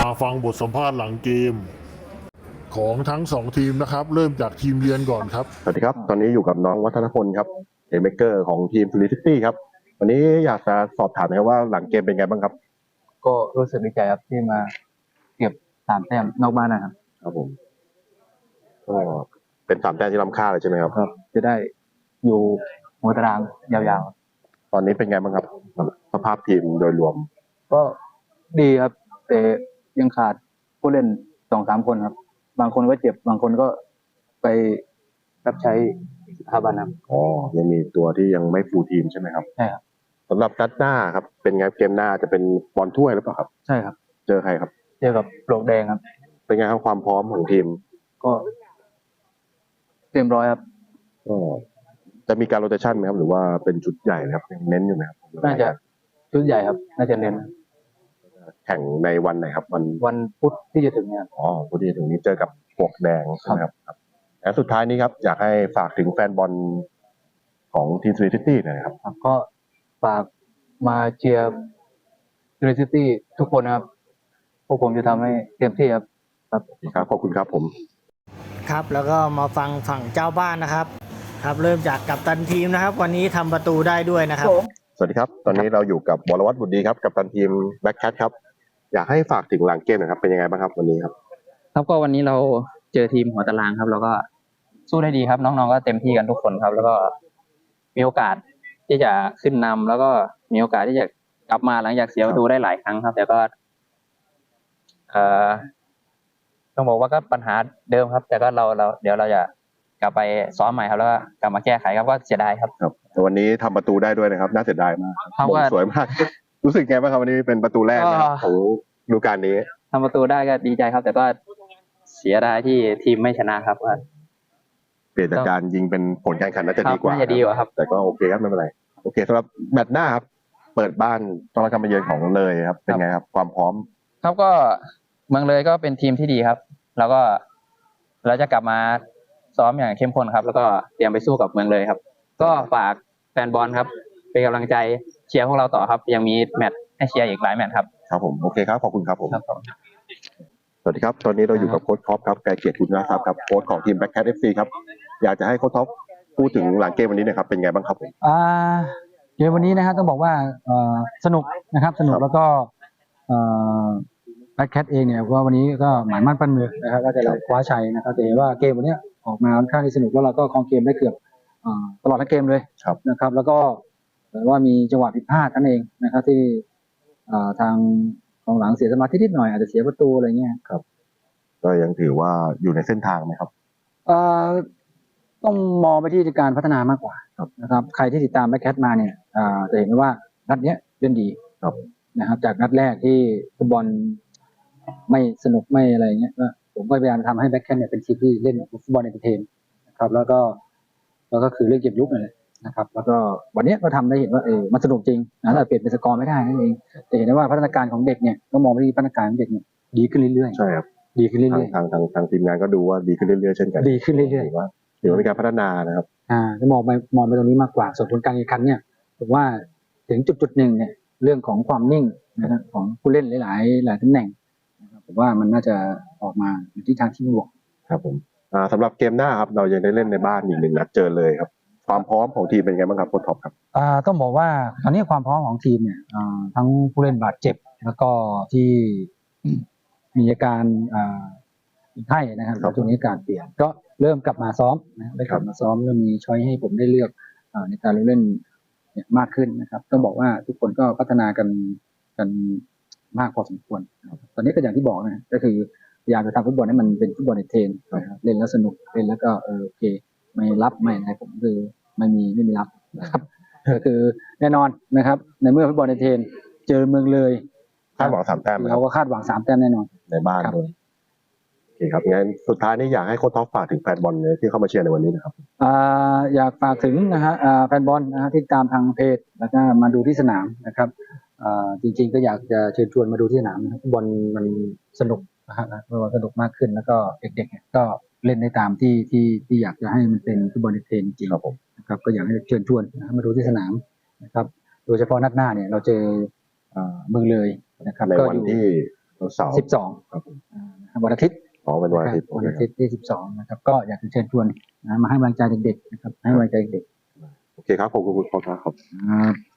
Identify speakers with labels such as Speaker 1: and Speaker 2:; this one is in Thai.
Speaker 1: มาฟังบทสัมภาษณ์หลังเกมของทั้ง2ทีมนะครับเริ่มจากทีมเยือนก่อนครับ
Speaker 2: สวัสดีครับตอนนี้อยู่กับน้องวัฒนพลครับเอเมเกอร์ของทีมซูริซิตี้ครับวันนี้อยากจะสอบถามนะครับว่าหลังเกมเป็นไงบ้างครับ
Speaker 3: ก็รู้สึกดีใจครับที่มาเก็บ3 แต้มนอกบ้านนะครับ
Speaker 2: ครับผมก็เป็น3 แต้มที่ล้ำค่าเลยใช่ไหมครับ
Speaker 3: ครับจะได้อยู่หัวตารางยาว
Speaker 2: ตอนนี้เป็นไงบ้างครับสภาพทีมโดยรวม
Speaker 3: ๆก็ดีครับ แต่ยังขาดผู้เล่น2-3 คนครับ บางคนก็เจ็บบางคนก็ไปรับใช้สถาบันครับ
Speaker 2: อ๋อยังมีตัวที่ยังไม่ฟูลทีมใช่ไหมครับ
Speaker 3: ใช่ครับ
Speaker 2: สำหรับนัดหน้าครับเป็นไงเกมหน้าจะเป็นบอลถ้วยหรือเปล่าครับ
Speaker 3: ใช่ครับ
Speaker 2: เจอใครครับ
Speaker 3: เจอกับปลวกแดงครับ
Speaker 2: เป็นไงครับความพร้อมของทีม
Speaker 3: ก็เต็มร้อยครับ
Speaker 2: ก็จะมีการโรเตชันไหมครับหรือว่าเป็นชุดใหญ่นะครับยังเน้นอยู่ไหมครับ
Speaker 3: น่าจะชุดใหญ่ครับน่าจะเน้น
Speaker 2: แข่งในวันไหนครับ
Speaker 3: วันพุธที่จะถึงเนี่ย
Speaker 2: อ๋อพอดีถึงนี้เจอกับปลวกแดงใช่ไหมครับและสุดท้ายนี้ครับอยากให้ฝากถึงแฟนบอลของทีมซูริซิตี้หน่อยครับ
Speaker 3: ก็ฝากมาเชียร์ซูริซิตี้ทุกคนนะครับพวกผมจะทำให้เต็มที่ครับ
Speaker 2: ครับขอบคุณครับผม
Speaker 4: ครับแล้วก็มาฟังฝั่งเจ้าบ้านนะครับครับเริ่มจากกัปตันทีมนะครับวันนี้ทำประตูได้ด้วยนะครับ
Speaker 2: สวัสดีครับตอนนี้เราอยู่กับวรวัฒน์บุตรดีครับกัปตันทีมแบ็คแคทครับอยากให้ฝากถึงหลังเกมหน่อยครับเป็นยังไงบ้างครับวันนี้ครับ
Speaker 5: ครับก็วันนี้เราเจอทีมหัวตารางครับเราก็สู้ได้ดีครับน้องๆก็เต็มที่กันทุกคนครับแล้วก็มีโอกาสที่จะขึ้นนำแล้วก็มีโอกาสที่จะกลับมาหลังจากเสียประตูได้หลายครั้งครับแต่ก็ต้องบอกว่าก็ปัญหาเดิมครับ แต่ก็เราเดี๋ยวเราจะกลับไปซ้อมใหม่ครับแล้วก็กลับมาแก้ไขครับก็เสียดายครับ
Speaker 2: วันนี้ทำประตูได้ด้วยนะครับน่าเสียดายมากครับสวยมากรู้สึกไงบ้างครับวันนี้เป็นประตูแรกของฤดูกาลนี้
Speaker 5: ทำประตูได้ก็ดีใจครับ แต่ก็เสียดายที่ทีมไม่ชนะครับว่า
Speaker 2: เปลี่ยนจากการยิงเป็นผลการแข่งขันน่าจะดีกว่า
Speaker 5: ครับ
Speaker 2: แต่ก็โอเคครับไม่เป็นไรโอเคสำหรับแมตช์หน้าครับเปิดบ้านต้องรับการมาเยือนของเลยครับเป็นไงครับความพร้อม
Speaker 5: ครับก็เมืองเลยก็เป็นทีมที่ดีครับแล้วก็เราจะกลับมาซ้อมอย่างเข้มข้นครับแล้วก็เตรียมไปสู้กับเมืองเลยครับก็ฝากแฟนบอลครับเป็นกำลังใจเชียร์พวกเราต่อครับยังมีแมตช์ให้เชียร์อีกหลายแมตช์ครับ
Speaker 2: ครับผมโอเคครับขอบคุณครับผมสวัสดีครับตอนนี้เราอยู่กับโค้ชท็อปครับไกรเกียรติคุณนะครับโค้ชของทีมแบ็คแคท FC ครับอยากจะให้โค้ชท็อปพูดถึงหลังเกมวันนี้นะครับเป็นไงบ้างครับผม
Speaker 6: เกมวันนี้นะครับต้องบอกว่าสนุกนะครับสนุกแล้วก็แบ็คแคทเองเนี่ยว่าวันนี้ก็หมายมั่นปั้นมือนะครับก็จะคว้าชัยนะครับแต่ว่าเกมวันนี้ออกมาค่อนข้างที่สนุกแล้วเราก็ครองเกมได้เกือบตลอดทั้งเกมเลยนะครับแล้วก็ว่ามีจังหวะผิดพลาดนั่นเองนะครับที่ทางกองหลังเสียสมาธินิดหน่อยอาจจะเสียประตูอะไรเงี้ย
Speaker 2: ครับก็ยังถือว่าอยู่ในเส้นทางไหมครับ
Speaker 6: ต้องมองไปที่การพัฒนามากกว่านะครับใครที่ติดตามแบ็คแคทมาเนี่ยจะเห็นว่านัดนี้เล่นดีนะครับจากนัดแรกที่ฟุตบอลไม่สนุกไม่อะไรเงี้ยผมก็พยายามทำให้แบ็คแคทเนี่ยเป็นทีมที่เล่นฟุตบอลเอนเตอร์เทนนะครับแล้วก็คือเรื่องเกมลุกเลยนะครับแล้วก็วันนี้ก็ทำได้เห็นว่ามันสนุกจริงนะแต่เปลี่ยนเป็นสกอร์ไม่ได้นั่นเองแต่เห็นได้ว่าพัฒนาการของเด็กเนี่ยต้องมองไปที่พัฒนาการของเด็กเนี่ยดีขึ้นเรื่อย
Speaker 2: ๆใช่ครับ
Speaker 6: ดีขึ้นเรื่อย
Speaker 2: ๆทางทีมงานก็ดูว่าดีขึ้นเรื่อยๆเช่นกัน
Speaker 6: ดีขึ้นเรื่อย
Speaker 2: ๆว่าถือว่ามีการพัฒนานะครับ
Speaker 6: จะมองไปตรงนี้มากกว่าส่วนผลการแข่งขันเนี่ยผมว่าถึงจุดหนึ่งเนี่ยเรื่องของความนิ่งนะครับของผู้เล่นหลายตำแหน่งผมว่ามันน่าจะออกมาในทิศทางที่บวก
Speaker 2: ครับผมสำหรับเกมหน้าครับเรายังได้เล่นในบ้านอีก1 นัดเจอเลยครับความพร้อมของทีมเป็นไงบ้างครับโค้ชท็อปครับ
Speaker 6: ต้องบอกว่าตอนนี้ความพร้อมของทีมเนี่ยทั้งผู้เล่นบาดเจ็บแล้วก็ที่มีอาการไข้นะครับช่วงนี้การเปลี่ยนก็เริ่มกลับมาซ้อมนะได้กลับมาซ้อมเริ่มมีช้อยให้ผมได้เลือกในการเล่นมากขึ้นนะครับต้องบอกว่าทุกคนก็พัฒนากันมากพอสมควรตอนนี้ก็อย่างที่บอกนะก็คือพยายามจะทำฟุตบอลให้มันเป็นฟุตบอลในเทรนเล่นแล้วสนุกเล่นแล้วก็โอเคไม่รับไม่อะไรผมคือไม่มีรับนะครับก็คือแน่นอนนะครับในเมื่อฟุตบอลในเทรนเจอเมืองเลย
Speaker 2: คาดหวัง3 แต้ม
Speaker 6: เราก็คาดหวัง3 แต้มแน่นอน
Speaker 2: ในบ้านเลยโอเคครับงั้นสุดท้ายนี้อยากให้โค้ชท็อปฝากถึงแฟนบอลที่เข้ามาเชียร์ในวันนี้นะครับ
Speaker 6: อยากฝากถึงนะฮะแฟนบอลนะฮะที่ตามทางเพจแล้วก็มาดูที่สนามนะครับจริงๆก็อยากจะเชิญชวนมาดูที่สนามฟุตบอลมันสนุกนะฮะสนุกมากขึ้นแล้วก็เด็กๆก็เล่นได้ตามที่อยากจะให้มันเป็นฟุตบอลในเทรนจริงครับผมนะครับก็อยากให้เชิญชวนมาดูที่สนามนะครับโดยเฉพาะนัดหน้าเนี่ยเราเจอเมืองเลยนะครับ
Speaker 2: ในวันที่เสาร์
Speaker 6: 12
Speaker 2: ครับผม
Speaker 6: วันอาทิตย์
Speaker 2: อ๋อเป็นวันอาทิตย์
Speaker 6: วันอาทิตย์ที่ 12 นะครับ ก็อยากจะเชิญชวนนะมาให้กำลังใจเด็กๆนะครับให้กำลังใจเด็ก
Speaker 2: โอเคครับขอบคุณคุณพ่อครับ
Speaker 6: ๆ